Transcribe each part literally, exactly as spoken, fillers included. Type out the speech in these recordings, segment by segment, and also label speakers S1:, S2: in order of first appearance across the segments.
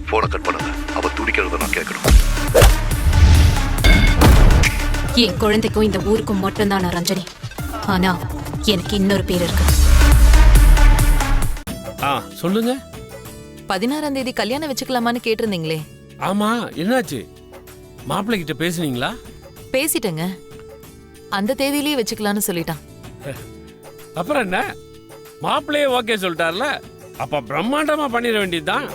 S1: போனை கட் பண்ணுங்க. அவ துடிக்கிறத நான் கேட்கணும்.
S2: என் குழந்தைக்கும் இந்த ஊருக்கும் மட்டும்தான் நான் ரஞ்சனி. ஆனா எனக்கு இன்னொரு பேர் இருக்கு.
S3: ஆ சொல்லுங்க.
S4: பதினாறாம் தேதி கல்யாணம் வச்சுக்கலாமான்னு கேட்டிருந்தீங்களே.
S3: ஆமா, என்னாச்சு? மாப்பிள்ளை கிட்ட பேசுனீங்களா?
S4: பேசிட்டேங்க. அந்த தேதியிலேயே வச்சுக்கலான்னு சொல்லிட்டான்.
S3: அப்புறம் என்ன, மாப்பிள்ளையே ஓகே சொல்லிட்டார்ல, அப்ப பிரம்மாண்டமா பண்ணிட வேண்டியதுதான்.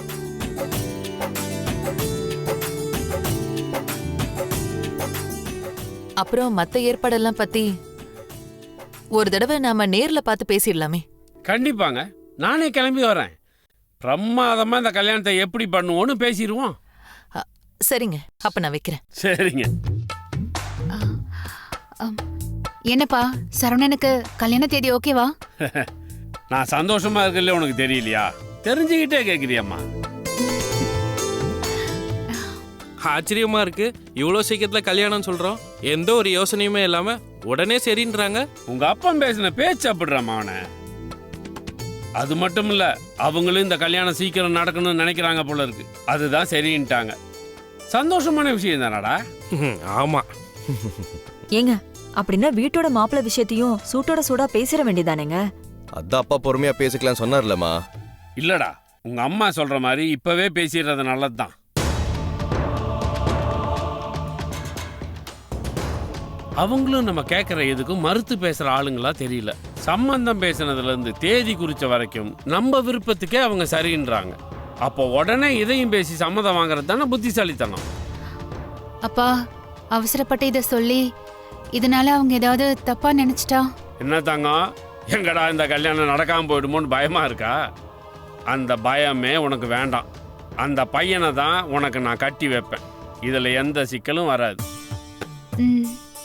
S4: அப்புறம் மத்த ஏற்பாடெல்லாம் பத்தி ஒரு தடவை நாம நேர்ல பார்த்து பேசிடலாமே.
S3: கண்டிப்பாங்க, நானே கிளம்பி வரேன். பிரமாதமா இந்த கல்யாணத்தை எப்படி பண்ணுவோன்னு பேசிடுவோம்.
S4: அ, சரிங்க, அப்ப நான் வைக்கிறேன்.
S3: சரிங்க.
S5: என்னப்பா சரவணனுக்கு கல்யாண தேதி ஓகேவா?
S3: நான் சந்தோஷமா இருக்கல, உனக்கு தெரியலையா? தெரிஞ்சுக்கிட்டே கேக்குறியம்மா.
S6: ஆச்சரியமா இருக்கு, இவ்வளோ சீக்கிரத்தில் கல்யாணம் சொல்றோம், எந்த ஒரு யோசனையுமே இல்லாம உடனே சரின்றாங்க.
S3: உங்க அப்பன் பேசின பேச்சு அப்படிறாமா அவனை. அது மட்டும் இல்ல, அவங்களும் இந்த கல்யாணம் சீக்கிரம் நடக்கணும்னு நினைக்கிறாங்க போல இருக்கு. அதுதான் சரின்ட்டாங்க. சந்தோஷமான விஷயம் தானடா.
S6: ஆமா.
S7: ஏங்க, அப்படின்னா வீட்டோட மாப்பிள்ளை விஷயத்தையும் சூட்டோட சூடா பேசிட வேண்டியதானேங்க?
S8: அதான் அப்பா பொறுமையா பேசிக்கலாம் சொன்னார்லம்மா.
S3: இல்லடா, உங்க அம்மா சொல்ற மாதிரி இப்பவே பேசிடுறது நல்லதுதான். அவங்களும் நம்ம கேட்குற எதுக்கும் மறுத்து பேசுற ஆளுங்களா தெரியல. சம்பந்தம் பேசுனதுல இருந்து தேதி குறிச்ச வரைக்கும் நம்ம விருப்பத்துக்கே அவங்க சரின்றாங்க. அப்போ உடனே இதையும் பேசி சம்மதம் வாங்குறது தானே புத்திசாலித்தனம்.
S5: அப்பா அவசரப்பட்டு இதை சொல்லி இதனால அவங்க ஏதாவது தப்பா நினைச்சிட்டா?
S3: என்ன தங்கம், எங்கடா இந்த கல்யாணம் நடக்காம போயிடுமோன்னு பயமா இருக்கா? அந்த பயமே உனக்கு வேண்டாம். அந்த பையனை தான் உனக்கு நான் கட்டி வைப்பேன். இதுல எந்த சிக்கலும் வராது.
S5: ம்.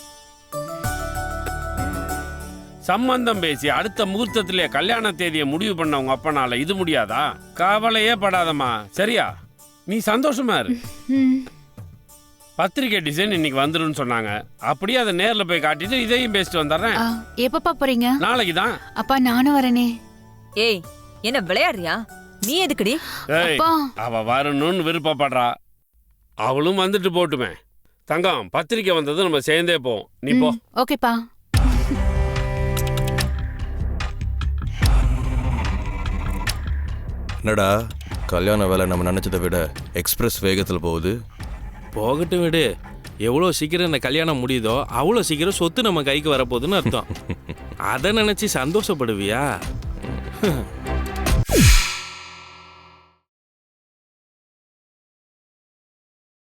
S3: சம்பந்தம் பேசி அடுத்த முகூர்த்தத்திலே கல்யாண தேதியை முடிவு பண்ண உங்க அப்பனால இது முடியாதா? கவலையே படாதம்மா, சரியா? நீ சந்தோஷமா இரு.
S5: ம்.
S3: பத்திரிகை டிசைன் இன்னைக்கு வந்துருன்னு சொன்னாங்க. அப்படியே அதை நேர்ல போய் காட்டிட்டு இதையும் பேசிட்டு வந்துடுறேன்.
S5: ஆ, எப்பப்பா போறீங்க?
S3: நாளைக்கு தான்.
S5: அப்பா நானும் வரேனே.
S7: ஏய், என்ன விளையாடுறியா? நீ எதுக்குடி?
S3: ஏய்,
S5: அப்பா.
S3: அவ வரணும்னு விருப்பப்படுறா, அவளும் வந்துட்டு போட்டுமே. தங்கம், பத்திரிக்கை வந்தது நம்ம சேர்ந்தே போவோம். நீ போ.
S5: ம், ஓகேப்பா.
S8: என்னடா கல்யாண வேலை நம்ம நினைச்சதை விட எக்ஸ்பிரஸ் வேகத்தில் போகுது.
S6: போகட்டும் விடு, எவ்வளோ சீக்கிரம் இந்த கல்யாணம் முடியுதோ அவ்வளோ சீக்கிரம் சொத்து நம்ம கைக்கு வரப்போகுதுன்னு அர்த்தம். அதை நினைச்சு சந்தோஷப்படுவியா?